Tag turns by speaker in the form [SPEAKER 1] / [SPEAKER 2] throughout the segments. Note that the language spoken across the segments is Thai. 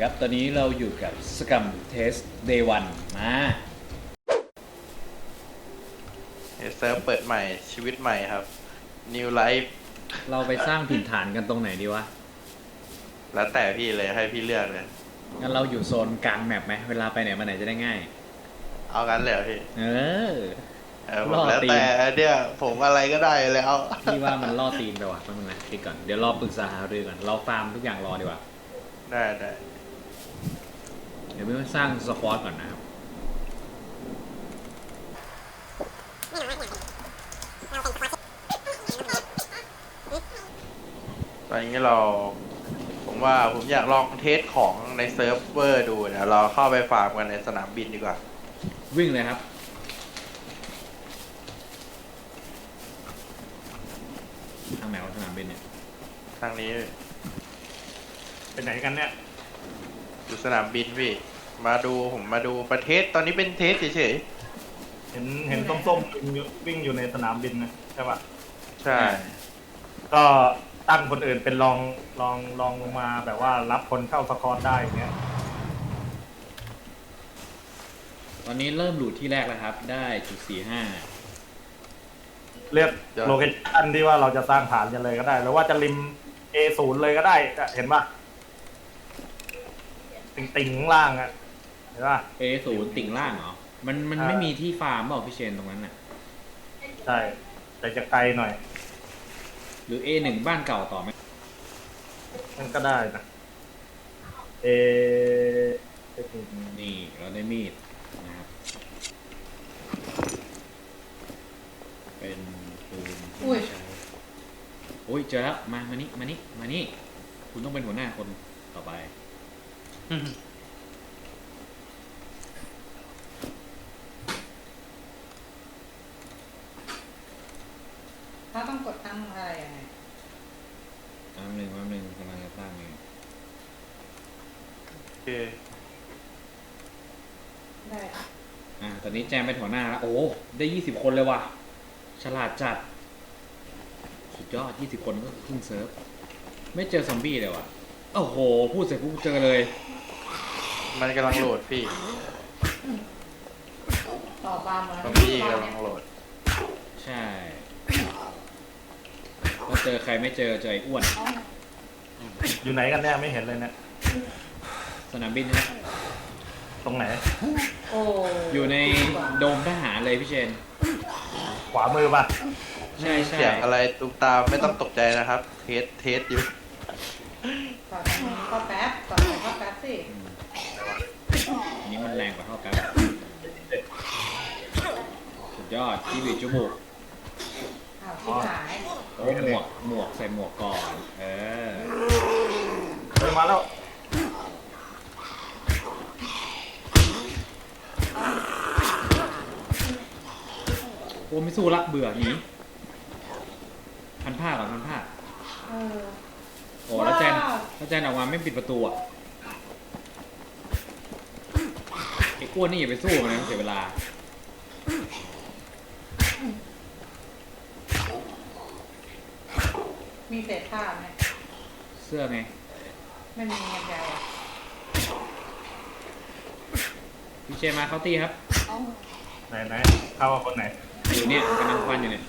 [SPEAKER 1] ครับ ตอนนี้เราอยู่กับสกัมเทสเดย์วันมา
[SPEAKER 2] เซิร์ฟเปิดใหม่ชีวิตใหม่ครับ New Life
[SPEAKER 1] เราไปสร้างถิ่นฐานกันตรงไหนดีวะ
[SPEAKER 2] แล้วแต่พี่เลยให้พี่เลือกเลย
[SPEAKER 1] งั้นเราอยู่โซนกลางแมปไหมเวลาไปไหนมาไหนจะได้ง่าย
[SPEAKER 2] เอากันเลยเหรอพี่
[SPEAKER 1] ผม
[SPEAKER 2] แล้วแต่เนี่ยผมอะไรก็ได้แล้ว
[SPEAKER 1] พี่ว่ามันล่อตีนไปว่ะแป๊บนึงนะคิดก่อน เดี๋ยวรอปรึกษาหารือก่อน เราฟาร์มทุกอย่างรอดีกว่า
[SPEAKER 2] ได้
[SPEAKER 1] เดี๋ยวพี่สร้างสควอตก่อนนะครับ
[SPEAKER 2] ตอนนี้ผมว่าผมอยากลองเทสของในเซิร์ฟเวอร์ดูเดี๋ยวเราเข้าไปฟาร์มกันในสนามบินดีกว่า
[SPEAKER 1] วิ่งเลยครับทางไหนวะสนามบินเนี่ย
[SPEAKER 2] ทางนี้
[SPEAKER 3] เป็นไหนกันเนี่ย
[SPEAKER 2] อยู่สนามบินพี่ผมมาดูประเทศตอนนี้เป็นเทสเฉย
[SPEAKER 3] เห็นส้มๆวิ่งอยู่ในสนามบินนะใช่ปะ
[SPEAKER 2] ๆใช่
[SPEAKER 3] ก็ตั้งคนอื่นเป็นลองลงมาแบบว่ารับคนเข้าสกอร์ได้อย่างเงี้ย
[SPEAKER 1] ตอนนี้เริ่มหลุดที่แรกแล้วครับ ได้จุด45
[SPEAKER 3] เลือกโลเคชั่นที่ว่าเราจะสร้างฐานกันเลยก็ได้หรือว่าจะริม A0 เลยก็ได้เห็นปะติ่งข้างล่างอะเห็นปะ
[SPEAKER 1] A0 ติ่งล่างเหรอ มันไม่มีที่ฟาร์มเปล่าพี่เชนตรงนั้นน่ะ
[SPEAKER 3] ใช่แต่จะไกลหน่อย
[SPEAKER 1] หรือ A1 บ้านเก่าต่อไหม
[SPEAKER 3] มันก็ได้นะเอ
[SPEAKER 1] นี่เราได้มีดนะครับ เป็นปืนที่ใช้โอ้ยเจอแล้วมานี่ คุณต้องเป็นหัวหน้าคนต่อไป
[SPEAKER 4] ถ้าต้องกดตั้งอะไรยังไง
[SPEAKER 1] แป๊บนึงกำลังจะตั้งเอง
[SPEAKER 2] โอเค
[SPEAKER 4] ได้
[SPEAKER 1] ตอนนี้แจมเป็นหัวหน้าแล้ว โอ้ได้20 คนเลยว่ะ ฉลาดจัด สุดยอด20 คนก็ครึ่งเซิร์ฟ ไม่เจอซอมบี้เลยว่ะ โอ้โห พูดเสร็จปุ๊บเจอเลย
[SPEAKER 2] มันกำลังโหลดพี่
[SPEAKER 4] ต่อความมา
[SPEAKER 2] ซอมบี้กำลังโหลด
[SPEAKER 1] ใช่ก็เจอใครไม่เจอไอ้อ้วน
[SPEAKER 3] อยู่ไหนกันเนี่ยไม่เห็นเลยเนี่ย
[SPEAKER 1] สนามบินครับ
[SPEAKER 3] ตรงไหน
[SPEAKER 4] โอ้
[SPEAKER 1] อยู่ในโดมทหารเลยพี่เชน
[SPEAKER 3] ขวามือปะ
[SPEAKER 1] ใช่
[SPEAKER 2] เสียงอะไรตุ้มตามไม่ต้องตกใจนะครับ เทสอยู่
[SPEAKER 4] ต่อทางนี้ก็แป๊บต่อทางก็แป๊บสิ
[SPEAKER 1] อันนี้มันแรงกว่าเท่ากันสุดยอดที่บีจูบุก
[SPEAKER 4] อ้าวที่หาย
[SPEAKER 1] โอ้หมวกใส่หมวกก่อน
[SPEAKER 3] เดินมาแล้ว
[SPEAKER 1] โอ้ไม่สู้ละเบื่อหนีพันผ้าก่อนพันผ้า
[SPEAKER 4] เออ
[SPEAKER 1] โอ้แล้วแจนออกมาไม่ปิดประตูอ่ะไอ้อ้วนนี่อย่าไปสู้มันนะเสียเวลา
[SPEAKER 4] มีเศษผ้าไหม
[SPEAKER 1] เสื้อไง
[SPEAKER 4] ไม่มีเงินใหญ่อะ
[SPEAKER 1] พี่เชนมาเข้าตีครับ
[SPEAKER 3] ไหนเข้ากับคนไหน
[SPEAKER 1] อยู่เนี่ยกำลังฟันอยู่เนี่ย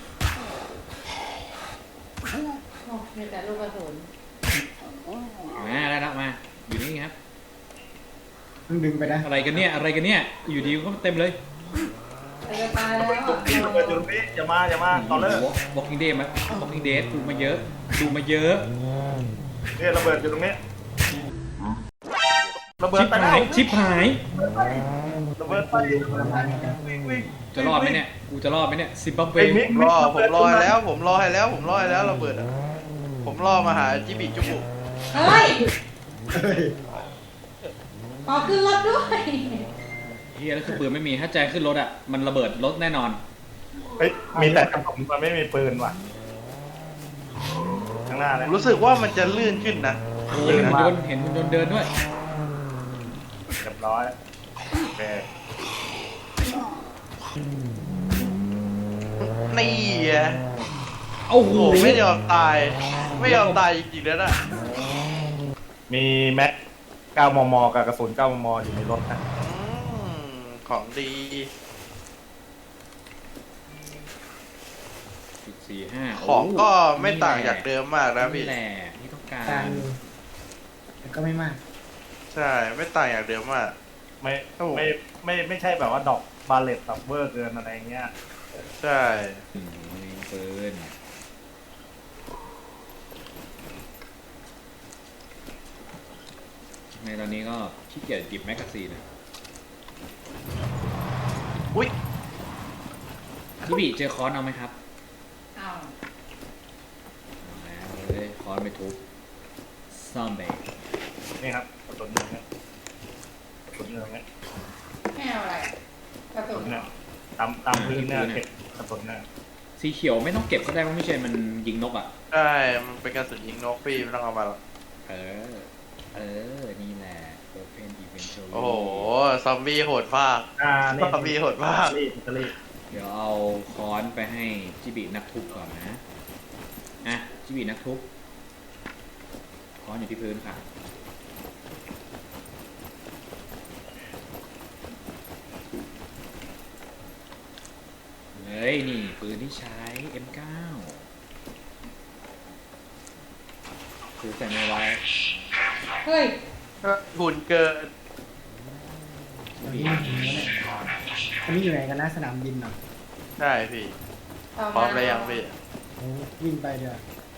[SPEAKER 4] โอ้มีแต่ลูกกระสุน
[SPEAKER 1] มาได้แล้วมาอยู่นี่ครับ
[SPEAKER 5] ดึงไปนะ
[SPEAKER 1] อะไรกันเนี่ยอยู่ดีก็เต็มเลย
[SPEAKER 4] จะตายแล้ว
[SPEAKER 3] จุดนี้อย่ามาต่อเลย
[SPEAKER 1] Walking Dead มา Walking Dead ดูมาเยอะ
[SPEAKER 3] เนี่ยระเบิดอยู่ตรงนี้ระเบิด
[SPEAKER 1] ชิบ
[SPEAKER 3] ไปแล้
[SPEAKER 1] หายว ชิบหาย
[SPEAKER 3] ระเบิดไปวิ่ง
[SPEAKER 1] จะรอดไหมเนี่ยกูจะรอดไหมเนี่ยซิมบับเว
[SPEAKER 2] ผมรอให้แล้วระเบิดอะผมรอมาหาจิบิจุบุ
[SPEAKER 4] เฮ้ย
[SPEAKER 5] เฮ้ย
[SPEAKER 4] ขอขึ้นรถด้วย
[SPEAKER 1] เฮียแล้วคือปืนไม่มีถ้าแจขึ้นรถอ่ะมันระเบิดรถแน่นอน
[SPEAKER 3] เฮ้ยมีแต่กระสุนมันไม่มีปืนว่ะข้างหน้าเลย
[SPEAKER 2] รู้สึกว่ามันจะลื่นขึ้นนะ
[SPEAKER 1] เห็นหุ่นยนต์เดินด้วย
[SPEAKER 3] เรียบร้อยโอเค
[SPEAKER 2] นี่อะ
[SPEAKER 1] โอ้โห
[SPEAKER 2] โอ้ไม่ยอมตายจริงๆแล้วนะ
[SPEAKER 3] มีแม็ก 9 มมกับกระสุน 9 มมอยู่ในรถนะ
[SPEAKER 2] ของดี
[SPEAKER 1] 4.45
[SPEAKER 2] ของก็
[SPEAKER 1] โ
[SPEAKER 2] ไม่ต่างจากเดิมมากนะพี่
[SPEAKER 1] นี่แหละที่ต้องการ
[SPEAKER 5] การแต่ก็ไม่มาก
[SPEAKER 2] ใช่ ไม่ต่างจากเดิมมาก
[SPEAKER 3] ไม่
[SPEAKER 2] ครับผม
[SPEAKER 3] ไม่ใช่แบบว่าดอกบาเลตแบบเวอร์เกินอะไรเงี้ย
[SPEAKER 2] ใช่
[SPEAKER 1] ปืนในตอนนี้ก็ขี้เกียจหยิบแมกกาซีนอะ
[SPEAKER 2] อุ้ย
[SPEAKER 1] พี่บีเจอคอนเอาไหมครับ
[SPEAKER 4] เอา
[SPEAKER 1] เอาแล้วเลยคอนไปทุบซอมเบย์
[SPEAKER 3] นี่ครับกระสุนหนึ่งเนี่ยกระสุนหนึ่งเนี่ย
[SPEAKER 4] ไม่เอาอะไรกระ
[SPEAKER 3] กระ
[SPEAKER 4] ตุ
[SPEAKER 3] สุ
[SPEAKER 4] ก
[SPEAKER 3] นเนี่ยตามพื้นเนี่ยเก็บกระสุนเนี่ย
[SPEAKER 1] สีเขียวไม่ต้องเก็บก็ได้เพราะไม่ใช่มันยิงนกอ่ะ
[SPEAKER 2] ใช่ มันเป็นกระสุนยิงนกพี่ไม่ต้องเอามาหรอก
[SPEAKER 1] เออ นี่แหละ Open Eventually
[SPEAKER 2] โอ้โห ซอมบี้โหดมาก
[SPEAKER 3] นี่
[SPEAKER 2] ซอมบี้โหดมาก
[SPEAKER 3] อิตาลี
[SPEAKER 1] เดี๋ยวเอาค้อนไปให้จิบินักทุบก่อนนะ อ่ะ จิบินักทุบค้อนอยู่ที่พื้นค่ะ เฮ้ย นี่ ปืนที่ใช้ M9 คือใส่ในไว้
[SPEAKER 4] เฮ้ย
[SPEAKER 2] หุ่นเกิน
[SPEAKER 5] ตอนนี้มันถึงแล้วเนี่ยอันนี้อยู่ไหนกันนะสนามบินเหรอ
[SPEAKER 2] ใช่พี่
[SPEAKER 4] ต่อ
[SPEAKER 2] พร้อ
[SPEAKER 4] มาม
[SPEAKER 2] แล้วยังพี่
[SPEAKER 5] โอ้วิ่งไปเดี๋ยว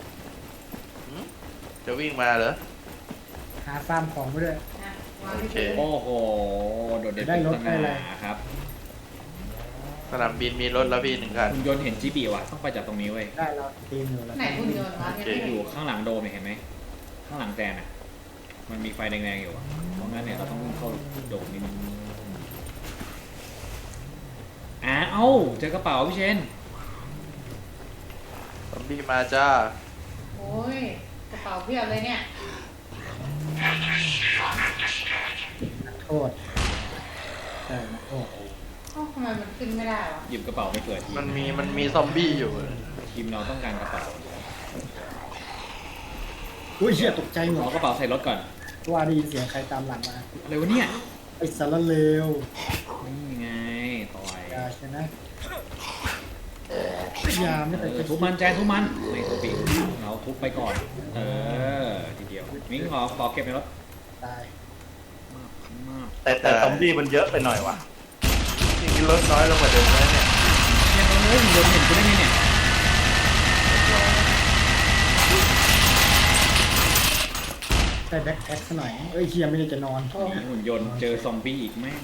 [SPEAKER 2] จะวิ่งมาเหรอ
[SPEAKER 5] หาฟาร์มของไปด้วย
[SPEAKER 4] อ่ะวางที่พื้น
[SPEAKER 1] โอ้โห โดดเด่น
[SPEAKER 5] ได้
[SPEAKER 1] เป็น
[SPEAKER 5] รถ
[SPEAKER 1] ส
[SPEAKER 5] ได้อะไร
[SPEAKER 1] ง่าครับ
[SPEAKER 2] สนามบินมีรถแล้วพี่หนึ่งคัน
[SPEAKER 1] คุณยนต์เห็นจิบิว่ะ ต้องไปจากตรงนี้เว้ย
[SPEAKER 5] ได้เราตีมอยู่แล้ว
[SPEAKER 4] ไหนคุณโยนวะยังไม่
[SPEAKER 1] อ
[SPEAKER 4] เห็น
[SPEAKER 1] ยู่ข้างหลังโดมเนี่ยเห็นไหม ข้างหลังแจนอ่ะ มันมีไฟแดงๆอยู่อะเพราะงั้นเนี่ยเราต้องวิ่งเข้าโดมนิดนึงเอ้าเจอกระเป๋าพี่เชน
[SPEAKER 2] ซอมบี้มาจ้า
[SPEAKER 4] โอ้ยกระเป๋าเพียบเลยเนี่ย
[SPEAKER 5] โทษใช่นะโทษ
[SPEAKER 4] เอ้าทำไมมันขึ้นไม่ได้วะ
[SPEAKER 1] หยิบกระเป๋าไปเปิดที
[SPEAKER 2] มันมีซอมบี้อยู่
[SPEAKER 1] ทีมเราต้องการกระเป๋า
[SPEAKER 5] อุ้ยเชี่ยตกใจหม
[SPEAKER 1] ขอ
[SPEAKER 5] ด
[SPEAKER 1] กระเป๋าใส่รถก่อน
[SPEAKER 5] ว่าได้ยินเสียงใครตามหลังมา
[SPEAKER 1] อะไรวะเนี่ย
[SPEAKER 5] ไอ้สารเลว
[SPEAKER 1] นี่ไงต่อย
[SPEAKER 5] อย่าใช่ไหมยาไม่แต่จะ
[SPEAKER 1] ทุบมันแจนทุบมันไม่ทุบปีกเราทุบไปก่อน เออทีเดียวมิ้งขอเก็บในรถ
[SPEAKER 5] ตาย
[SPEAKER 1] มาก
[SPEAKER 3] แต่ซอมบี้มันเยอะไปหน่อยวะ
[SPEAKER 2] จริงๆรถน้อยลงกว่าเดิมแล้วเนี่ย
[SPEAKER 1] เนี่ยเราเลยโดนเห็นกูได้ไงเนี่ย
[SPEAKER 5] ได้แบ็คแพ็คซะหน่อยเอ้ยเฮียไม่ได้จะนอน
[SPEAKER 1] หุ่นยนต์เจอซอมบี้อีกแม่ง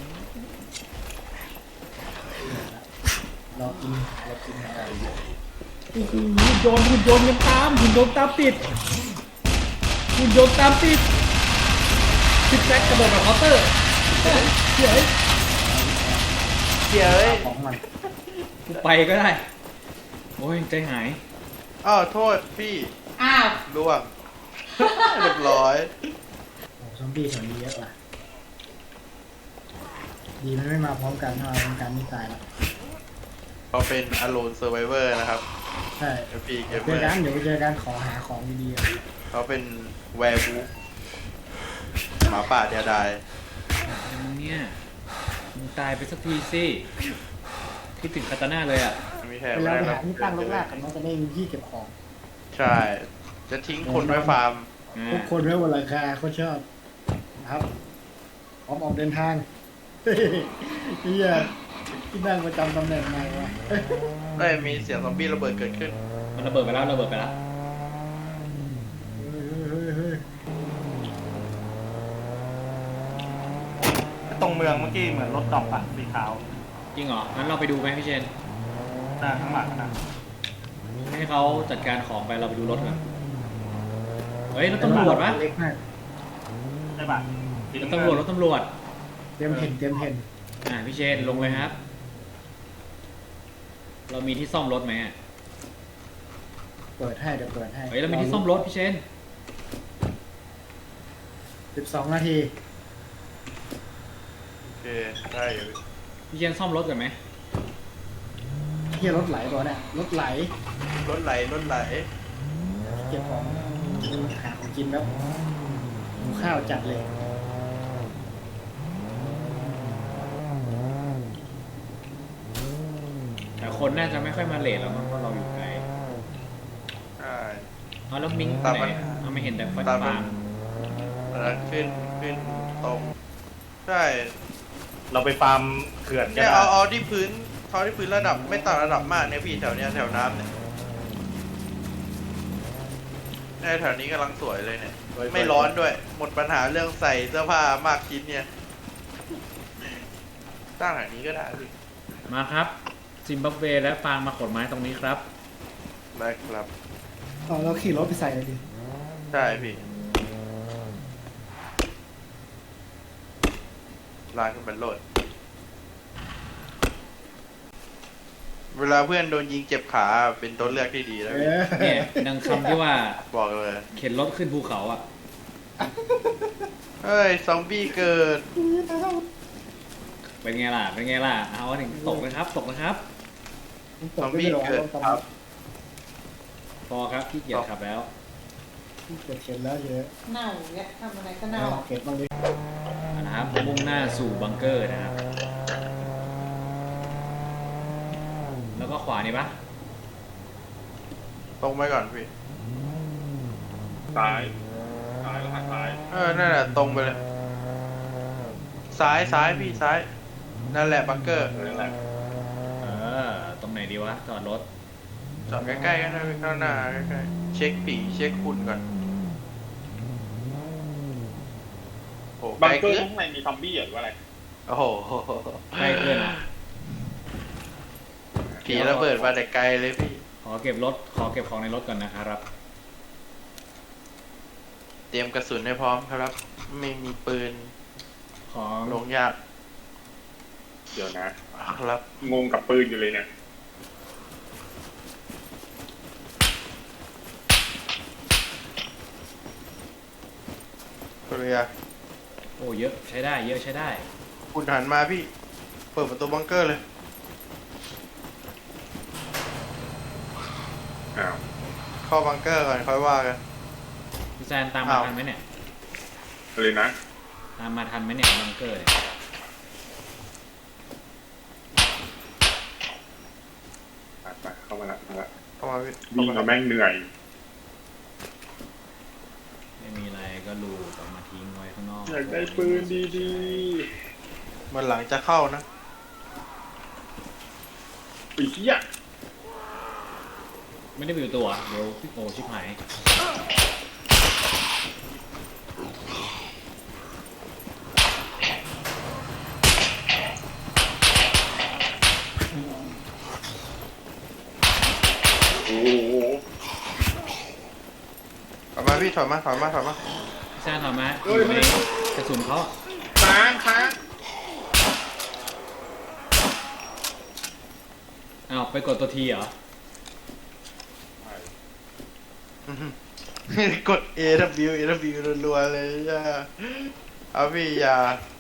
[SPEAKER 5] เรากินอะไร
[SPEAKER 1] โอ้โหหุ่นยนต์ยังตามหุ่นยนต์ตามติดหุ่นยนต์ตามติดซิกแซกกระโดดแบบเคาน์เตอร์เฮ้ย
[SPEAKER 2] เดี๋ยวเอ้ย
[SPEAKER 5] ของมัน
[SPEAKER 1] กูไปก็ได้ โอ้ยใจหาย
[SPEAKER 2] อ้าวโทษพี่
[SPEAKER 4] อ้าว
[SPEAKER 2] ล่วง เรียบร้อย
[SPEAKER 5] โอ้ซอมบี้แถวนี้เยอะว่ะดีมันไม่มาพร้อมกันถ้ามาพร้อมกันนี่ตายแล้ว
[SPEAKER 2] เขาเป็น Alone Survivor นะครับ
[SPEAKER 5] ใช่
[SPEAKER 2] FP
[SPEAKER 5] เจอ
[SPEAKER 2] Gamer
[SPEAKER 5] กันเดี๋ยวไปเจอกันขอหาของดีๆอะ
[SPEAKER 2] เขาเป็น Werewolf หมาป่าเดียดาย
[SPEAKER 1] มึงเนี่ยมึงตายไปสักทีสิคิดถึงคาตาน่าเลยอ่ะ
[SPEAKER 2] มีแค่
[SPEAKER 5] เว
[SPEAKER 2] ไม่
[SPEAKER 5] ลา
[SPEAKER 2] ได้
[SPEAKER 5] ไป
[SPEAKER 2] รับ
[SPEAKER 5] หาที่ตั้งลกลากกันมันจะได้มีที่เก็บของ
[SPEAKER 2] ใช่ จะทิ้งคนไว้ฟาร์ม
[SPEAKER 5] ทุกคนไว้บนหลังคาเขาชอบนะครับพร้อมออกเดินทางเฮ้ยเฮียที่นั่งประจำตำแหน่งไงวะ
[SPEAKER 2] ได้มีเสียงซอมบี้ระเบิดเกิดขึ้น
[SPEAKER 1] มันระเบิดไปแล้วระเบิดไปแล้ว
[SPEAKER 5] เฮ้ย
[SPEAKER 3] ตรงเมืองเมื่อกี้เหมือนรถดอกอะสีขาว
[SPEAKER 1] จริงเหรองั้นเราไปดูไหมพี่เชน
[SPEAKER 3] หน้าข้างหลังนะ
[SPEAKER 1] ให้เขาจัดการของไปเราไปดูรถกันเฮ้ยรถตำรวจปะ
[SPEAKER 5] เล็กมาก
[SPEAKER 3] ใช่ปะ
[SPEAKER 1] รถตำรวจรถตำรวจ
[SPEAKER 5] เตรียมเห็น
[SPEAKER 1] พี่เชนลงเลยครับ เรามีที่ซ่อมรถไหมอะ
[SPEAKER 5] เปิดให้เดี๋ยวเปิดให้
[SPEAKER 1] เฮ้ยเรามีที่ซ่อมรถพี่เชน
[SPEAKER 5] 12 นาที
[SPEAKER 2] โอเค ได้อยู่
[SPEAKER 1] พี่เชนซ่อมรถกันไหม
[SPEAKER 5] เฮียรถไหลก่อนเนี่ยรถไหล
[SPEAKER 2] รถไหล
[SPEAKER 5] เก็บของหาของกินแล้วหิวข้าวจัดเลย
[SPEAKER 1] คนน่าจะไม่ค่อยมาเลทแล้วมั้งเพราะเราอยู่ไกล
[SPEAKER 2] ใช่
[SPEAKER 1] เอาแล้วมิง
[SPEAKER 2] ตาม
[SPEAKER 1] ไหน
[SPEAKER 2] มัน
[SPEAKER 1] เอาไม่เห็นแต่ไฟ
[SPEAKER 2] ตามมัน
[SPEAKER 1] ฟาง
[SPEAKER 2] แล้วขึ้นตรงใช่
[SPEAKER 3] เราไปฟาร์มเขื่อนกัน
[SPEAKER 2] เนี่ย
[SPEAKER 3] นะ
[SPEAKER 2] เอาที่พื้นระดับไม่ต่ำระดับมากเนี่ยพี่แถวเนี้ยแถวน้ำเนี่ยแถวนี้กำลังสวยเลยเนี่ยไม่ร้อนด้วย หมดปัญหาเรื่องใส่เสื้อผ้ามากชิ้นเนี่ยสร้างแถวนี้ก็ได้พี่
[SPEAKER 1] มาครับซิมบับเวและฟางมาขนไม้ตรงนี้ครับ
[SPEAKER 2] ได้ครับ
[SPEAKER 5] อ๋อเราขี่รถไปใส่เลยดิ
[SPEAKER 2] ใช่พี่ลากขึ้นเป็นโหลด เวลาเพื่อนโดนยิงเจ็บขาเป็นตัวเลือกที่ดีแล้วพี่
[SPEAKER 1] เนี่ยดังคำที่ว่า
[SPEAKER 2] บอกเลย
[SPEAKER 1] เข็นรถขึ้นภูเขาอ่ะ
[SPEAKER 2] เฮ้ย ซอมบี้เกิด
[SPEAKER 1] เป็นไงล่ะ เป็นไงล่ะ เอาถึงตกนะครับ ตกนะครับ
[SPEAKER 2] ซอมบี้เกิดครับ
[SPEAKER 1] พอครับขี้เกียจขับแล้ว
[SPEAKER 5] เกิดเข็นแล้วเยอะ
[SPEAKER 4] เน่าเนี่ยทำอะไรก็
[SPEAKER 5] เอา
[SPEAKER 4] เน่า
[SPEAKER 5] เก็บบ้างดิ
[SPEAKER 1] นะครับมุ่งหน้าสู่บังเกอร์นะครับ แล้วก็ขวานี่ปะ
[SPEAKER 2] ตรงไปก่อนพี่
[SPEAKER 3] ซ้ายแล้วหักซ้าย
[SPEAKER 2] นั่นแหละตรงไปเลย ซ้ายพี่ซ้าย นั่นแหละบังเกอร์
[SPEAKER 3] นั่นแหละ
[SPEAKER 1] เออ ตรงไหนดีวะ จอดรถ
[SPEAKER 2] จอดใกล้ๆกันนะพี่ข้างหน้าใกล้ๆเช็คผีเช็คคุณก่อนโอ้
[SPEAKER 6] บัง
[SPEAKER 2] ไกล
[SPEAKER 6] เกอร์
[SPEAKER 2] เกิน
[SPEAKER 6] ข้างในมีซอมบี้หรือว่าอะไร
[SPEAKER 2] โอ้โห
[SPEAKER 1] ใกล้เกินอ่ะ
[SPEAKER 2] ผีระเบิดมาแต่ไกลเลยพี่
[SPEAKER 1] ขอเก็บของในรถก่อนนะครับ
[SPEAKER 2] เตรียมกระสุนให้พร้อมครับ ไม่มีปืน
[SPEAKER 1] ของ
[SPEAKER 2] ลงยาก
[SPEAKER 6] เดี๋ยวนะ
[SPEAKER 2] ครับ
[SPEAKER 6] งงกับปืนอยู่เลยเนี่ย
[SPEAKER 2] เรือ
[SPEAKER 1] โอ้เยอะใช้ได้ เยอะใช้ได้
[SPEAKER 2] คุณหันมาพี่ เปิดประตูบังเกอร์เลย
[SPEAKER 6] อ้าว
[SPEAKER 2] เข้าบังเกอร์ก่อนค่อยว่ากัน
[SPEAKER 1] พี่แซนตามมา
[SPEAKER 2] อ้าว
[SPEAKER 1] ทันไหมเนี่ย
[SPEAKER 6] อะไรนะ
[SPEAKER 1] ตามมาทันไหมเนี่ยบังเกอร์เนี่ย
[SPEAKER 6] ไปเข้ามาละมาละ
[SPEAKER 2] เข้ามาพี่
[SPEAKER 6] วิ่งมาแม่งเหนื่อย
[SPEAKER 1] ไม่มีอะไรก็ลูกออกมาทิ้งไว้ข้างนอก
[SPEAKER 6] อยากได้ปืนดี
[SPEAKER 2] มันหลังจะเข้านะ
[SPEAKER 6] ๆปีเหี้ย
[SPEAKER 1] ไม่ได้ไปอยู่ตัว เดี๋ยวโอ้ชิบหาย
[SPEAKER 6] โอ้โห
[SPEAKER 2] ถอยมาพี่ถอยมา
[SPEAKER 1] พี่แซนถามมาอยู่ในกระสุนเขา
[SPEAKER 6] ค้าง
[SPEAKER 1] อ้าวไปกดตัวทีเหรอ
[SPEAKER 2] กด AW รัวๆเลยจ้าเอาพี่อย่า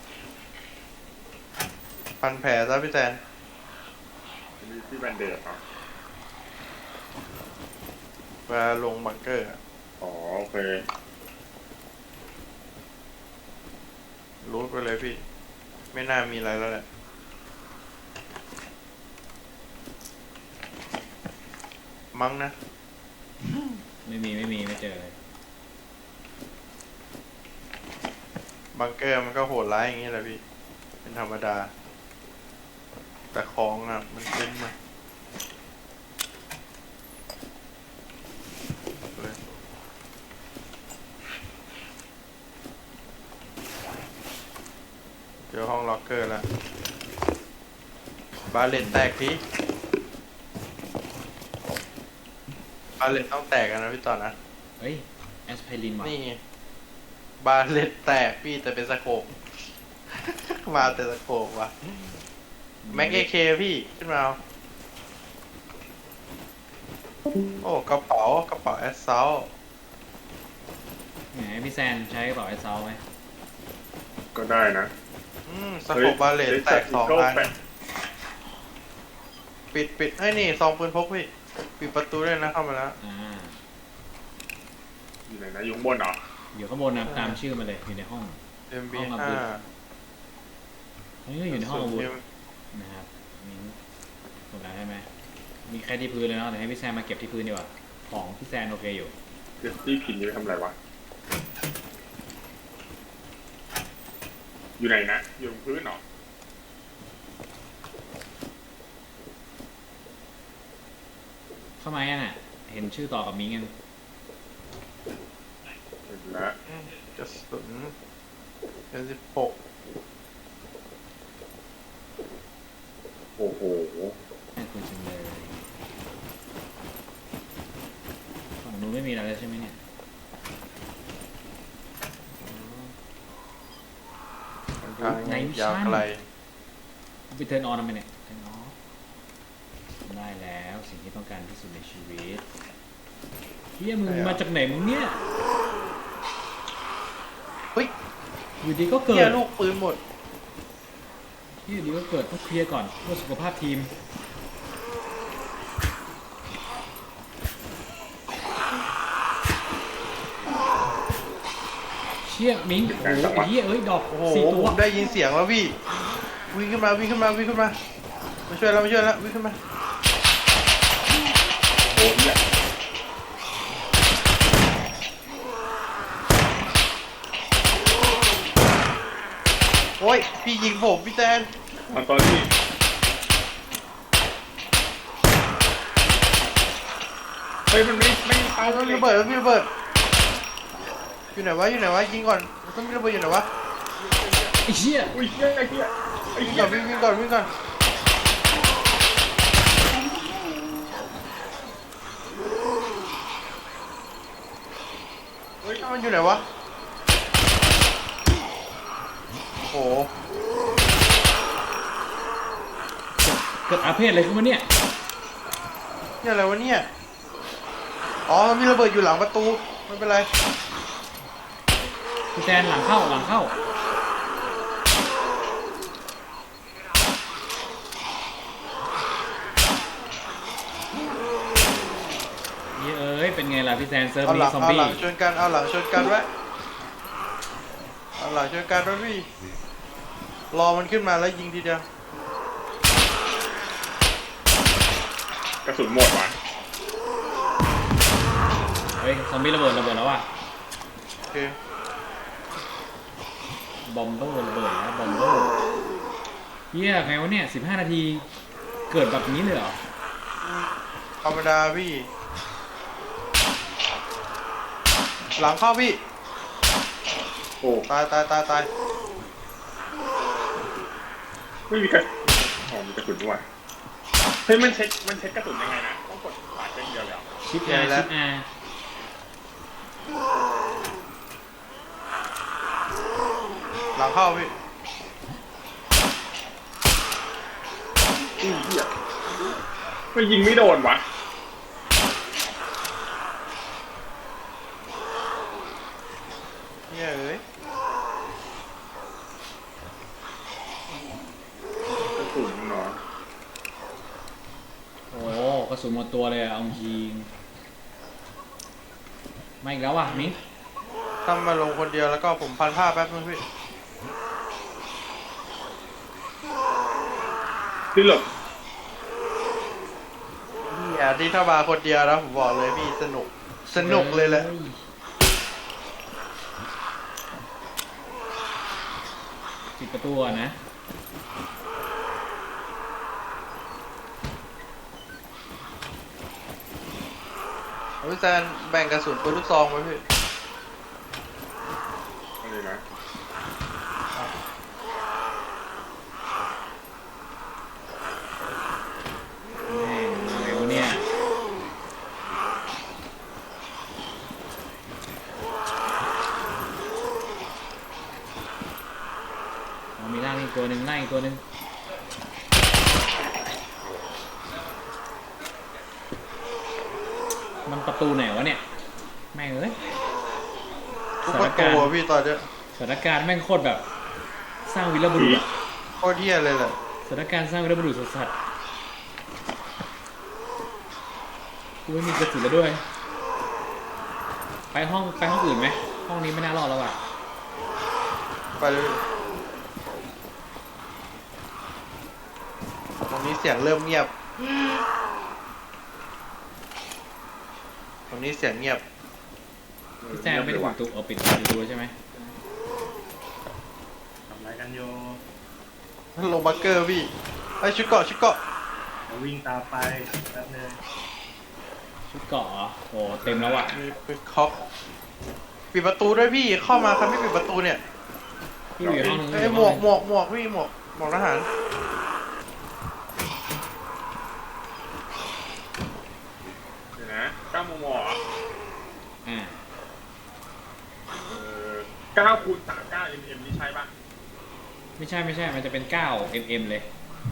[SPEAKER 2] พันแผลซะพี่แซน
[SPEAKER 6] มีที่แบนเดดเหรอ
[SPEAKER 2] เวลาลงบังเกอร์อะ
[SPEAKER 6] อ๋อโอเค
[SPEAKER 2] รูดไปเลยพี่ ไม่น่ามีอะไรแล้วแหละ มั้งนะ
[SPEAKER 1] ไม่มีไม่เจอเลย
[SPEAKER 2] บังเกอร์มันก็โหดร้ายอย่างนี้แหละพี่ เป็นธรรมดา แต่ของอ่ะ มันขึ้นมาเลยเจอห้องล็อกเกอร์แล้ว บาเลนแตกพี่บาเลนต้องแตกกันนะพี่ต่อนะ
[SPEAKER 1] เฮ้ยแอสไพรินว่ะ
[SPEAKER 2] นี่ไงบาเลนแตกพี่แต่เป็นสโคป มาแต่สโคปว่ะ แม็กเอเคพี่ขึ้นมาเอาโอ้กระเป๋าแอสเซล
[SPEAKER 1] ไหนพี่แซนใช้กระเป๋าไอเซาไหม
[SPEAKER 6] ก็ได้นะ
[SPEAKER 2] สโคปบาเลนแตกสองอันปิดให้ยนี่ซองปืนพกพี่ ปิดประตูด้วยนะเข้ามาแล้ว
[SPEAKER 1] อ่า
[SPEAKER 6] อยู่ไหนนะยุงบนเหรอ
[SPEAKER 1] อยู่ข้างบนนะตามชื่อมาเลยอยู่ในห้อง ห้องอา
[SPEAKER 2] MB5
[SPEAKER 1] วุธ อันนี้ก็อยู่ในห้องอาวุธนะครับนี่ถูกแล้วใช่ไหมมีแค่ที่พื้นเลยเนาะเดี๋ยวให้พี่แซมมาเก็บที่พื้นดีกว่าของพี่แซมโอเคอยู่
[SPEAKER 6] เดี๋ยวพี่พินนี่ไปทำอะไรวะ อยู่ไหนนะ อยู่บนพื้นเหรอ
[SPEAKER 1] เข้ามายังอ่ะเห็นชื่อต่อกับมิ้งยัง
[SPEAKER 6] เห็นแล้ว
[SPEAKER 2] กระสุนเป็น16
[SPEAKER 6] โอ้โห
[SPEAKER 1] น่าคุยจังเลยฝั่งนู้นไม่มีอะไรแล้วใช่ไหมเนี่ย
[SPEAKER 2] ทาง
[SPEAKER 1] ไหนมิช
[SPEAKER 2] ยาว
[SPEAKER 1] ชั่น
[SPEAKER 2] ไกล
[SPEAKER 1] ไปเทิร์นออนทำไมเนี่ยเทิร์นออฟได้แล้วสิ่งที่ต้องการที่สุดในชีวิตเฮียมึงมาจากไหนมึงเนี่ย
[SPEAKER 2] เฮ้ย
[SPEAKER 1] อยู่ดีก็เกิ
[SPEAKER 2] เฮีย
[SPEAKER 1] ด
[SPEAKER 2] ลูกปืนหมด
[SPEAKER 1] ที่อยู่ดีก็เกิดต้องเคลียร์ก่อนเพื่อสุขภาพทีมเชี่ยมิ้งโอ้โหไอ้เหี้ยเอ้ยดอก
[SPEAKER 2] โอ้โห
[SPEAKER 1] สี่ตัว
[SPEAKER 2] ผมได้ยินเสียงแล้วพี่ วิ่งขึ้นมาวิ่งขึ้นมาวิ่งขึ้นมามาช่วยแล้วมาช่วยแล้ววิ่งขึ้นมา
[SPEAKER 6] โอ้ย
[SPEAKER 2] โอ้ยพี่ยิงผมพี่แตน
[SPEAKER 6] ตอนนี้เฮ้ยมันไม่ตาย
[SPEAKER 2] ต้อง
[SPEAKER 6] เล
[SPEAKER 2] มี
[SPEAKER 6] ย
[SPEAKER 2] ระเบิดต้องมีระเบิดอยู่ไหนวะอยู่ไหนวะยิงก่อนต้องมีระเบิดอยู่ไหนวะ
[SPEAKER 1] ไอ้เชี่ย
[SPEAKER 6] อุ้ยเฮียไอ้เฮียไอ้
[SPEAKER 2] วิ่ง
[SPEAKER 6] เฮี
[SPEAKER 2] ก่
[SPEAKER 6] ย
[SPEAKER 2] อนวิ่งก่อนวิ่งก่อนเฮ้ยมันอยู่ไหนวะโอ้โห
[SPEAKER 1] เกิดอาเพศอะไรขึ้นมาเนี่ย
[SPEAKER 2] นี่อะไรวะเนี่ยอ๋อมันมีระเบิดอยู่หลังประตูไม่เป็นไร
[SPEAKER 1] พี่แซนหลังเข้าหลังเข้าเย้เอ้ยเป็นไงล่ะพี่แซนเซิร์ฟ
[SPEAKER 2] เอาห
[SPEAKER 1] นี้
[SPEAKER 2] ลัง
[SPEAKER 1] ซอม
[SPEAKER 2] เอา
[SPEAKER 1] บี้
[SPEAKER 2] หลังชนกันเอาหลังชนกันไว้เอาหลังชนกันไว้พี่รอมันขึ้นมาแล้วยิงทีเดียว
[SPEAKER 6] กระสุนหมดว่ะ
[SPEAKER 1] เฮ้ยซอมบี้ระเบิดแล้วว่ะ
[SPEAKER 2] โอเค
[SPEAKER 1] บอมเบอร์ระเบิดแล้วบอมเบอร์เฮียไงวะเนี่ย15 นาทีเกิดแบบนี้เลยเหรอ
[SPEAKER 2] ธรรมดาพี่ หลังเข้าพี่
[SPEAKER 6] โอ้
[SPEAKER 2] ตายตายตายตาย
[SPEAKER 6] ไม่มีกระอ๋อมีกระสุนด้วยเฮ้ยมันเช็คกระสุนยังไงนะต้องกดขวาเช็คเดียวเลยเหรอ
[SPEAKER 1] ชิปอาชิปอา
[SPEAKER 2] หลังเข้าพี่
[SPEAKER 6] อุ้ยเฮียไม่ยิงไม่โดนวะ
[SPEAKER 2] เนี่ยเอ้ย
[SPEAKER 6] กระสุนเนาะ
[SPEAKER 1] โอ้กระสุนหมดตัวเลยอะเอาจริงมาอีกแล้วว่ะมิ้ง
[SPEAKER 2] ตั้มมาลงคนเดียวแล้วก็ผมพันผ้าแป๊บนึงพี่
[SPEAKER 6] พี่หลบ
[SPEAKER 2] เนี่ยที่ถ้ามาคนเดียวนะผมบอกเลยพี่สนุกสนุกเลยแหละ
[SPEAKER 1] ปิดประตูก่อนนะ
[SPEAKER 2] พี่แซนแบ่งกระสุนปืนลูกซองไว้พี่
[SPEAKER 6] อะไรนะ
[SPEAKER 1] แม่งอะไรวะเนี่ยอ๋อมีร่างอีกตัวหนึ่งร่างอีกตัวหนึ่งมันประตูไหนวะเนี่ยแม่งเอ้ย
[SPEAKER 2] ทุกประตูอะพี่ตอนเนี้ย
[SPEAKER 1] สถานการณ์แม่งโคตรแบบ สร้างวีรบุรุษอะ
[SPEAKER 2] โคตรเที่ยเลยแหละ
[SPEAKER 1] สถานการณ์สร้างวีรบุรุษสัสๆกูไม่มีกระสุนแล้วด้วย ไปห้องอื่นไหมห้องนี้ไม่น่ารอดแล้วอ่ะ
[SPEAKER 2] ไปเลยตรงนี้เสียงเริ่มเงียบตรงนี้เสียงเงียบ
[SPEAKER 1] พี่แซมไม่ได้ปิดตู้ปิดประตูใช่ไหม
[SPEAKER 3] ทำอะไรกันโย
[SPEAKER 2] ลงบังเกอร์พี่ไอชุดเกาะชุดเกาะ
[SPEAKER 3] จะวิ่งตามไปแป๊บนึง
[SPEAKER 1] ชุดเกาะเหรอโอ้เต็มแล้วอ่ะ
[SPEAKER 2] มีไปเคาะปิดประตูด้วยพี่เข้ามาครับไม่ปิดประตูเนี่ย
[SPEAKER 1] พี่อยู่ห้องนึง
[SPEAKER 2] ไอยหมวกพี่หมวกทหาร
[SPEAKER 6] เดี๋ยวนะ9 มมเหรอ
[SPEAKER 1] อ่า
[SPEAKER 6] 9 คูณ 39 mm นี่ใช่ปะ
[SPEAKER 1] ไม่ใช่มันจะเป็น9 mm เลย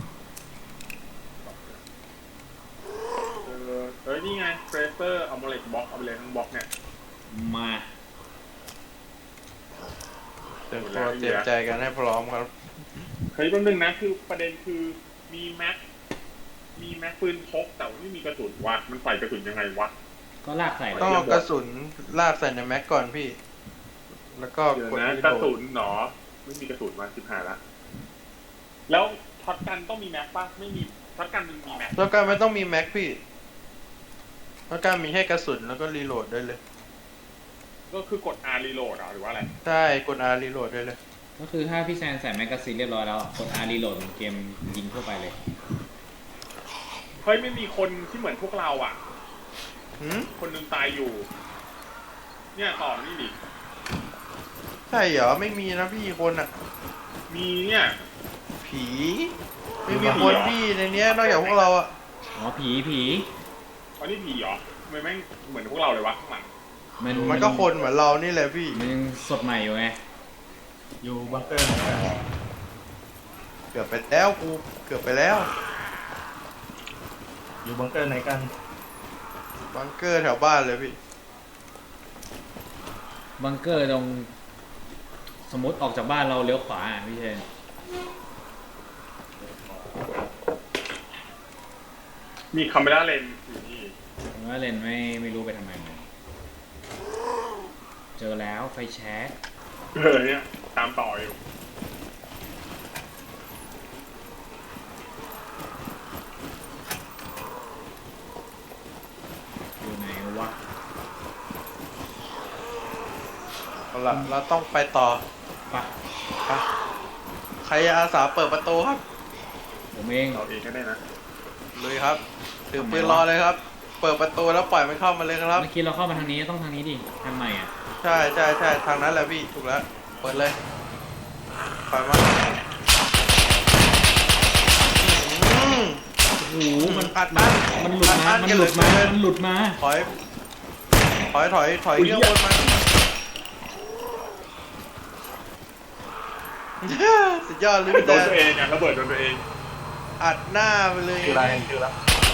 [SPEAKER 6] เฮ้ยนี่ไงเฟรเซอร์เอามาเล็กบล็อกเอาไปเลยทั้งบล็อกเนี่ย
[SPEAKER 1] มา
[SPEAKER 2] เตรียมตัวเตรียมใจกันให้พร้อมครับ
[SPEAKER 6] เฮ้ยแป๊บนึงนะคือประเด็นคือมีแม็กปืนพกแต่ว่าไม่มีกระสุนวะมันใส่กระสุนยังไงวะ
[SPEAKER 1] ก็ลากใส่เลย
[SPEAKER 2] ต้องเอากระสุนลากใส่ในแม็กก่อนพี่ แล้วก็
[SPEAKER 6] เดี๋ยว
[SPEAKER 2] กด
[SPEAKER 6] นะ
[SPEAKER 2] รี
[SPEAKER 6] กระ
[SPEAKER 2] โหล
[SPEAKER 6] สุ
[SPEAKER 2] ด
[SPEAKER 6] นหนอไม่มีกระสุนมา15ละแล้วช็อตกันต้องมีแม็กป่ะไม่มีช็อตกันมันมีแม็ก
[SPEAKER 2] แล้วการไม่ต้องมีแม็กพี่แล้วการมีแค่กระสุนแล้วก็รีโหลดได้เลย
[SPEAKER 6] ก็คือกด R reload หรือว่าอะไร
[SPEAKER 2] ใช่กด R รีโหลดได้เลย
[SPEAKER 1] ก็คือถ้าพี่แซนใส่แมกกาซีนเรียบร้อยแล้วกด R reload เหมือนเกมยิงทั่วไปเลย
[SPEAKER 6] เฮ้ยไม่มีคนที่เหมือนพวกเราอ่ะ
[SPEAKER 2] หืม
[SPEAKER 6] คนหนึงตายอยู่ เนี่ยต่อนี่ดิ
[SPEAKER 2] ใช่เหรอไม่มีนะพี่คนอ่ะ
[SPEAKER 6] มีเนี่ย
[SPEAKER 2] ผีไม่มีคนพี่ในเนี้ยนอกจากพวกเราอ่ะ
[SPEAKER 1] อ๋อผี
[SPEAKER 6] อ๋อนี่ผีเหรอทำไมแม่งเหมือนพวกเราเลยวะข้างหลัง
[SPEAKER 2] มันก็คนเหมือนเรานี่แหละพี่
[SPEAKER 1] มันยังสดใหม่อยู่ไง
[SPEAKER 3] อยู่บังเกอร์ไหนกัน
[SPEAKER 2] เกือบไปแล้วกูเกือบไปแล้ว
[SPEAKER 3] อยู่บังเกอร์ไหนกัน
[SPEAKER 2] บังเกอร์แถวบ้านเลยพี่
[SPEAKER 1] บังเกอร์ตรงสมมติออกจากบ้านเราเลี้ยวขวาพี่เชน
[SPEAKER 6] มีคาเมล่าเลนส์อยู่นี่
[SPEAKER 1] ผมว่าเลนไม่รู้ไปทำไมเหมือนกันเจอแล้วไฟแช็ก
[SPEAKER 6] เนี่ยตามต่ออยู่
[SPEAKER 1] อยู่ไหนวะ
[SPEAKER 2] เอาละเราต้องไปต่อ
[SPEAKER 1] ปะ
[SPEAKER 2] ไปใครอาสาเปิดประตูครับ
[SPEAKER 1] ผมเอง
[SPEAKER 6] เราเองก็ได้นะ
[SPEAKER 2] เลยครับถือปืนรอเลยครับ เปิดประตูแล้วปล่อยมันเข้ามาเลยครับ
[SPEAKER 1] เมื่อกี้เราเข้ามาทางนี้ต้องทางนี้ดิทางใหม่อ่ะ
[SPEAKER 2] ใช่ทางนั้นแหละพี่ถูกแล้วเปิดเลยปล่อยมาอืม
[SPEAKER 1] โอ้โหมัน
[SPEAKER 2] อัดอั้น
[SPEAKER 1] มันหลุดมา
[SPEAKER 2] อัดอั้น
[SPEAKER 1] มันหลุดมา
[SPEAKER 2] กันเหลือเกิน
[SPEAKER 1] มันหลุดมา
[SPEAKER 2] ถอยเรื่องบนมาสุดยอดเลยพี่
[SPEAKER 6] โด
[SPEAKER 2] แจ๊
[SPEAKER 6] นตัวเองอ่ะระเบิดโดนตัวเอง
[SPEAKER 2] อัดหน้าไปเลย
[SPEAKER 3] ชื่ออะไรชื่อแล้ว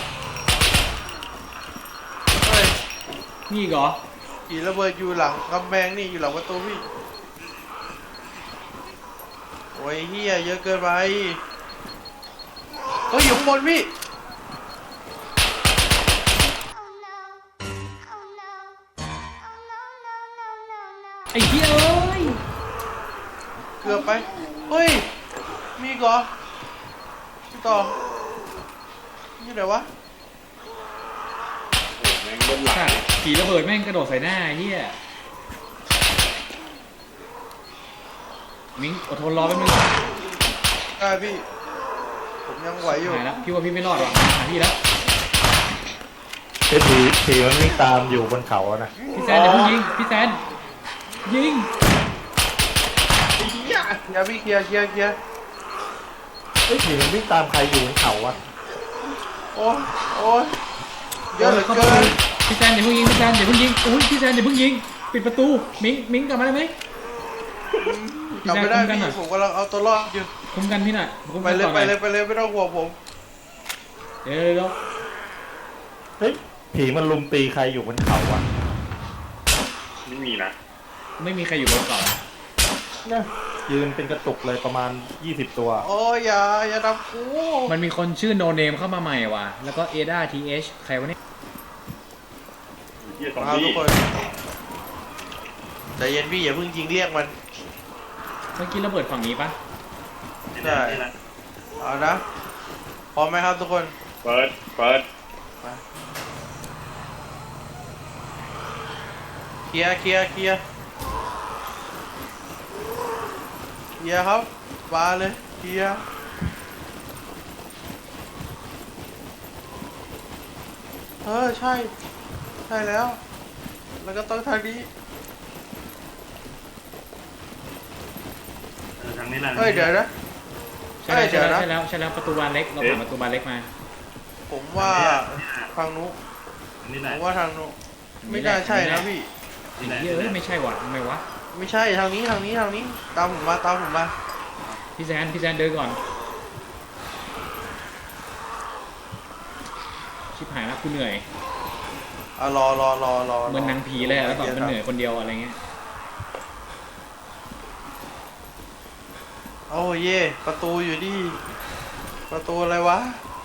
[SPEAKER 2] เฮ้ย
[SPEAKER 1] นี่อีกเหรอ
[SPEAKER 2] ขี่ระเบิดอยู่หลังกำแพงนี่อยู่หลังประตูพี่โอ้ยเฮียเยอะเกินไปเฮ้ยอยู่ข้างบนพี่
[SPEAKER 1] ไอ้เหี้ยเอ้ย
[SPEAKER 2] เกือบไปเฮ้ยมีอีกเหรอพี่ต่อนี่ไหนวะ
[SPEAKER 6] โอ้แม่งเล่นหลัง
[SPEAKER 1] สัตว์ผีระเบิดแม่งกระโดดใส่หน้าไอ้เหี้ยมิ้งอดทนรอแป๊บนึง
[SPEAKER 2] ได้พี่ ผมยังไหวอยู่
[SPEAKER 1] หายแล้วพี่ว่าพี่ไม่รอดหรอกหาพี่แล้ว
[SPEAKER 3] ผีมันวิ่งตามอยู่บนเขาอะนะ
[SPEAKER 1] พี่แซนเดี๋ยวเพิ่งยิงพี่แซนยิง
[SPEAKER 2] อย่าพี่เคลียร์
[SPEAKER 3] เฮ้ยผีมันวิ่งตามใครอยู่บนเขาอะ
[SPEAKER 2] โอ้ยเยอะเหลือ
[SPEAKER 1] เข้า
[SPEAKER 2] เกิ
[SPEAKER 1] ประตู
[SPEAKER 2] น
[SPEAKER 1] พี่แซนเดี๋ยวเพิ่งยิงพี่แซนเดี๋ยวเพิ่งยิงอุ้ยพี่แซนเดี๋ยวเพิ่งยิงปิดประตูมิ้งกลับมาได้ไหม
[SPEAKER 2] กลับไม่ได้
[SPEAKER 1] พี่แซน
[SPEAKER 2] พี่
[SPEAKER 1] คุมกันหน่อย
[SPEAKER 2] ผมกำลังเอาตัวรอดอยู่
[SPEAKER 1] คุมกันพี่หน่อยคุม
[SPEAKER 2] ไป
[SPEAKER 1] กัน
[SPEAKER 2] เลย
[SPEAKER 1] ต่อห
[SPEAKER 2] ไป
[SPEAKER 1] น่อย
[SPEAKER 2] เลยไม่ต้องห่วงผม
[SPEAKER 1] เดี๋ยว
[SPEAKER 3] เฮ้ยผีมันลุมตีใครอยู่บนเขาอะ
[SPEAKER 6] ไม่มีนะ
[SPEAKER 1] ไม่มีใครอยู่บนเกาะ
[SPEAKER 3] เนี่ยยืนเป็นกระตุกเลยประมาณ20 ตัว
[SPEAKER 2] โอ้ยอย่าทำกู
[SPEAKER 1] มันมีคนชื่อโนเนมเข้ามาใหม่ว่ะแล้วก็เอดาทีเอชใครวะเนี่ย
[SPEAKER 6] เฮียซอม
[SPEAKER 2] มาทุ
[SPEAKER 6] บี้
[SPEAKER 2] กคนใจเย็นพี่อย่าเพิ่งยิงเรียกมัน
[SPEAKER 1] เมื่อกี้ระเบิดฝั่งนี้ปะ
[SPEAKER 2] ใช่เอานะพร้อมไหมครับทุกคน
[SPEAKER 6] เปิด
[SPEAKER 2] ลียร์เคลียร์เคลียร์เคลียร์ครับมาเลยเคลียร์ใช่ใช่แล้ว แล้วก็ต้องทางนี้
[SPEAKER 3] ทางนี้แหละ
[SPEAKER 2] เฮ้ยเดี๋ยวนะ
[SPEAKER 1] ใช่แล้ว
[SPEAKER 2] เดี๋ยวนะ
[SPEAKER 1] ใช่แล้วใช่แล้วประตูบานเล็กเราผ่านประตูบานเล็กมา
[SPEAKER 2] ผมว่าทางนู้น
[SPEAKER 3] อันนี้แห
[SPEAKER 2] ผ
[SPEAKER 3] ละ
[SPEAKER 2] มว่าทางนู้นไม่น่าใช่นะพี่
[SPEAKER 1] ไอ้เหี้ยเอ้ยไม่ใช่ว่ะทำไมวะ
[SPEAKER 2] ไม่ใช่ทางนี้ทางนี้ทางนี้ตามผมมาตามผมมา
[SPEAKER 1] พี่แซนเดินก่อนชิบหายแล้วกูเหนื่อย
[SPEAKER 2] รอ
[SPEAKER 1] เหมือนหนังผีเลยอะแล้วแบบมันเหนื่อยคนเดียวอะไรเงี้ย
[SPEAKER 2] โอ้เย่ประตูอยู่ดิประตูอะไรวะ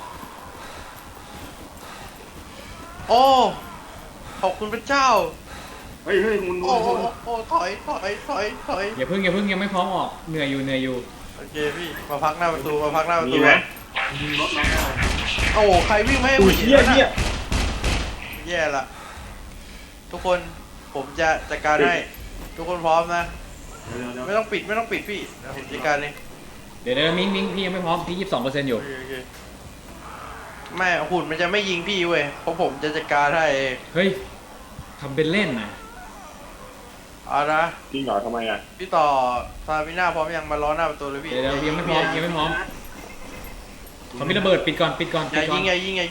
[SPEAKER 2] โอ้ขอบคุณพระเจ้า
[SPEAKER 3] เฮ้ยมุน
[SPEAKER 2] โอ้ถอย
[SPEAKER 1] อย่าเพิ่งยังไม่พร้อมออกเหนื่อยอยู่
[SPEAKER 2] โอเคพี่มาพักหน้าประตูมาพักหน้าประตู
[SPEAKER 6] มีไหม
[SPEAKER 3] ยิงรถน้องได้
[SPEAKER 2] โอ้ใครวิ่งไม่ให้
[SPEAKER 6] อุ้
[SPEAKER 2] ผู้
[SPEAKER 6] ย
[SPEAKER 2] หญิง
[SPEAKER 6] เหี้ย
[SPEAKER 2] นั่น
[SPEAKER 6] เหี้ย
[SPEAKER 2] น่ะแย่ละทุกคนผมจะจัดการให้ทุกคนพร้อมนะ
[SPEAKER 3] เดี๋ยว
[SPEAKER 2] ไม่ต้องปิดพี่เดี๋ยวผมจัดการเอง
[SPEAKER 1] เดี๋ยวมิ้งพี่ยังไม่พร้อมพี่22%อยู่
[SPEAKER 2] โอเคแม่หุ่นมันจะไม่ยิงพี่เว้ยเพราะผมจะจัดการให้เอง
[SPEAKER 1] เฮ้ยทำเป็นเล่นนะ
[SPEAKER 2] เอานะ
[SPEAKER 6] จริงเหรอทำไมอ่ะ
[SPEAKER 2] พี่ต่อซาบิน่าพร้อมยังมาล้อหน้าประตูเลยพี่
[SPEAKER 1] เดี๋ยวยังไม่พร้อมเขามีระเบิดปิดก่อน
[SPEAKER 2] อย่ายิง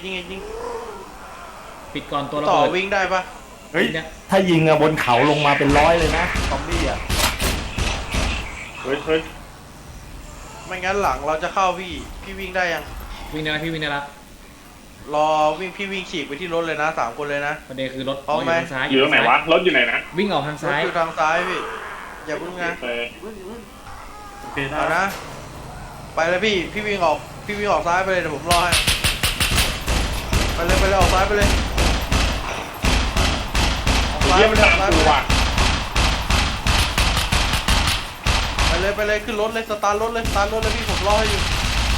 [SPEAKER 1] ปิดก่อนตัวระ
[SPEAKER 2] ต่อ
[SPEAKER 1] เบิด
[SPEAKER 2] วิ่งได้ปะ
[SPEAKER 3] เฮ้ยถ้ายิงอะบนเขาลงมาเป็นร้อยเลยนะซอมบี้อะ
[SPEAKER 6] เฮ้ย
[SPEAKER 2] ไม่งั้นหลังเราจะเข้าพี่วิ่งได้ยัง
[SPEAKER 1] วิ่งได้แล้วพี่วิ่งได้แล้ว
[SPEAKER 2] รอพี่วิ่งฉีกไปที่รถเลยนะ3 คนเลยนะ
[SPEAKER 1] ประเด็นคือรถ
[SPEAKER 2] พร้อมไหม
[SPEAKER 1] ยู่ทางซ้าย
[SPEAKER 6] อยู่ตรงไหนวะรถอยู่ไหนนะ
[SPEAKER 1] วิ่งออกทาง
[SPEAKER 2] รถ
[SPEAKER 1] ซ้าย
[SPEAKER 2] อยู่ทางซ้ายพี่อย่าเพิ่งนะ
[SPEAKER 6] โอเค
[SPEAKER 3] โอเคได้
[SPEAKER 2] เอานะไปเลยพี่วิ่งออกซ้ายไปเลยเดี๋ยวผมรอให้ไปเลยออกซ้ายไปเลยออกซ้าย
[SPEAKER 6] เยี่ย
[SPEAKER 2] ไป
[SPEAKER 6] ม
[SPEAKER 2] เลย
[SPEAKER 6] ตามกูว่ะ
[SPEAKER 2] ไปเลยขึ้นรถเลยสตาร์ทรถเลยพี่ผมรอให้อยู่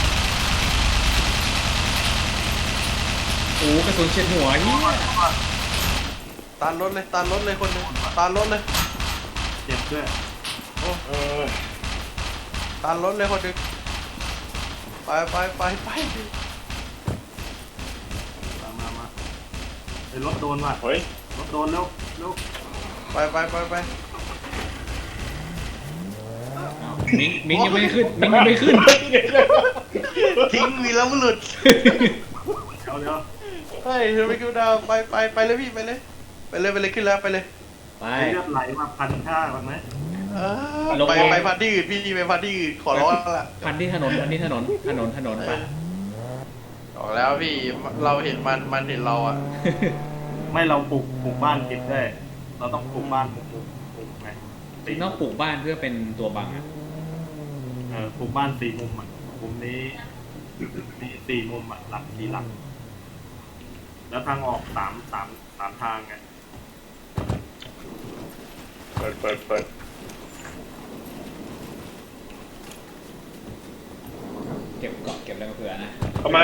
[SPEAKER 1] โอ้กระสุนเฉียดหัวเฮีย
[SPEAKER 2] ตานรถเลยคนหนึงตานรถเลย
[SPEAKER 3] เจ็บด้วย
[SPEAKER 6] เออ
[SPEAKER 2] ตานรถเลยคนหนึงไป
[SPEAKER 3] มาไอ้รถโดนว่ะ
[SPEAKER 6] เฮ้ย
[SPEAKER 3] รถโดนเร็ว
[SPEAKER 2] ไป
[SPEAKER 1] อ้าวมิ้งยังไม่ขึ้น
[SPEAKER 2] ทิ้งวีแล้วมันหลุด
[SPEAKER 3] เดี๋ยว
[SPEAKER 2] เฮ้ยเธอไม่คิวดาวไปเลยพี่ไปเลยขึ้นแล้วไปเลย
[SPEAKER 1] ไป
[SPEAKER 3] เลือดไหลมา1,500มันไหม
[SPEAKER 2] ไปพันที่อื่นพี่ไปพันที่อื่นขอร้องละ
[SPEAKER 1] พันที่ถนนไป
[SPEAKER 2] บอกแล้วพี่เราเห็นมันเห็นเราอ่ะ
[SPEAKER 3] ไม่เราปลูกบ้านติดด้วยเราต้องปลูกบ้านปลูกไง
[SPEAKER 1] ต้องปลูกบ้านเพื่อเป็นตัวบังอ่ะ
[SPEAKER 3] ปลูกบ้าน4 มุมอ่ะมุมนี้มี4 มุมอ่ะหลัก4 หลักแล้วทางออก3 ทางไง
[SPEAKER 6] เปิด
[SPEAKER 1] เก็บเกาะเก็บอะไรมาเผื่อนะ
[SPEAKER 6] เข้ามา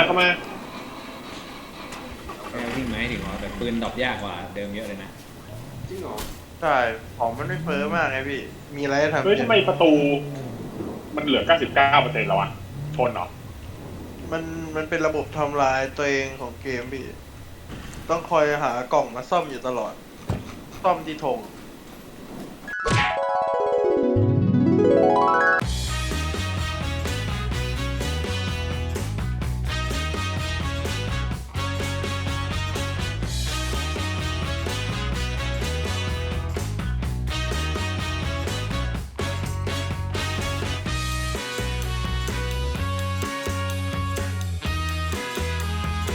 [SPEAKER 1] แค่วิ่งไม้ถึงว่าแต่ปืนดรอปยากกว่าเดิมเยอะเลยนะ
[SPEAKER 6] จริงเหรอ
[SPEAKER 2] ใช่ของมันไม่เฟ้อมากไงพี่มีอะไรให้ทำ
[SPEAKER 6] เฮ้ยทำไมประตูมันเหลือ 99%แล้ววะชนเหรอ
[SPEAKER 2] มันเป็นระบบทำลายตัวเองของเกมพี่ต้องคอยหากล่องมาซ่อมอยู่ตลอดซ่อมที่ธง